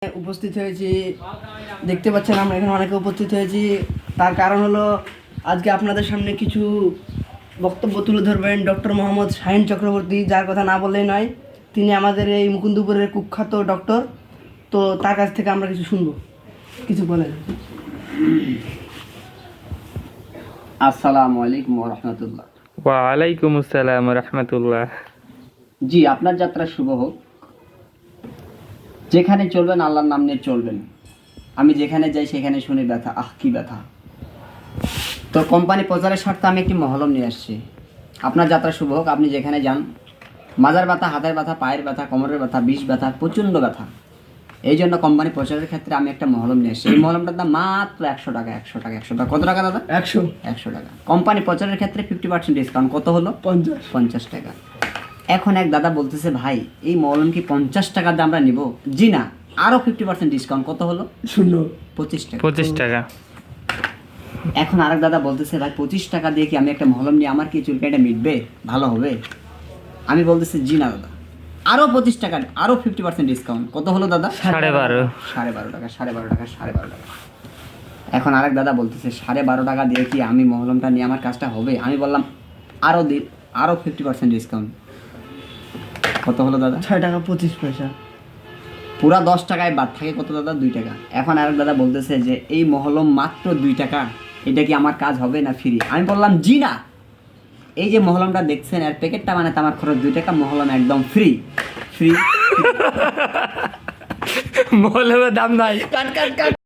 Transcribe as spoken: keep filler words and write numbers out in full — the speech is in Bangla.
উপস্থিত হয়েছি, দেখতে পাচ্ছেন আমরা এখানে অনেকে উপস্থিত হয়েছি। তার কারণ হলো আজকে আপনাদের সামনে কিছু বক্তব্য তুলে ধরবেন ডক্টর মোহাম্মদ শাহিন চক্রবর্তী, যার কথা না বললেই নয়। তিনি আমাদের এই মুকুন্দপুরের কুখ্যাত ডক্টর। তো তার কাছ থেকে আমরা কিছু শুনবো, কিছু বলেন। আসসালামু আলাইকুম ওয়া রাহমাতুল্লাহ। ওয়া আলাইকুম আসসালাম ওয়া রাহমাতুল্লাহ। জি, আপনার যাত্রা শুভ হোক। যেখানে চলবেন আল্লাহর নাম নিয়ে চলবেন। আমি যেখানে যাই সেখানে শুনি ব্যথা, আহ কি ব্যথা। তো কোম্পানি প্রচারের স্বার্থে আমি একটি মহলম নিয়ে আসছি। আপনার যাত্রা শুভ হোক। আপনি যেখানে যান, মাজার ব্যথা, হাতের ব্যথা, পায়ের ব্যথা, কোমরের ব্যথা, বিষ ব্যথা, প্রচণ্ড ব্যথা, এই জন্য কোম্পানি প্রচারের ক্ষেত্রে আমি একটা মহলম নিয়ে এসেছি। এই মহলমটার দাম মাত্র একশো টাকা। একশো টাকা একশো টাকা কত টাকা দাদা? একশো একশো টাকা। কোম্পানি প্রচারের ক্ষেত্রে ফিফটি পার্সেন্ট ডিসকাউন্ট। কত হলো? পঞ্চাশ পঞ্চাশ টাকা। এখন এক দাদা বলতেছে, ভাই এই মলম কি পঞ্চাশ টাকা দিয়ে আমরা নিব? জি না, আরও ফিফটি পার্সেন্ট ডিসকাউন্ট। কত হলো? শূন্য পঁচিশ টাকা। পঁচিশ টাকা। এখন আরেক দাদা বলতেছে, ভাই পঁচিশ টাকা দিয়ে কি আমি একটা মহলম নিয়ে আমার কি চুলকানিটা মিটবে, ভালো হবে? আমি বলতেছি জি না দাদা, আরও পঁচিশ টাকা, আরও ফিফটি পার্সেন্ট ডিসকাউন্ট। কত হলো দাদা? সাড়ে বারো। সাড়ে বারো টাকা সাড়ে বারো টাকা সাড়ে বারো টাকা। এখন আরেক দাদা বলতেছে, সাড়ে বারো টাকা দিয়ে কি আমি মহলমটা নিয়ে আমার কাজটা হবে? আমি বললাম আরও দি আরও ফিফটি পার্সেন্ট ডিসকাউন্ট। কত হলো দাদা? ছয় টাকা পঁচিশ পয়সা। পুরা দশ টাকায় বাদ থাকে কত দাদা? দুই টাকা। এখন আরেক দাদা বলতেছে যে এই মহলম মাত্র দুই টাকা, এটা কি আমার কাজ হবে না ফ্রি? আমি বললাম জি না, এই যে মহলমটা দেখছেন এর প্যাকেটটা বানাতে আমার খরচ দুই টাকা, মহলম একদম ফ্রি ফ্রি। মহলের দাম নাই। কাট কাট কাট।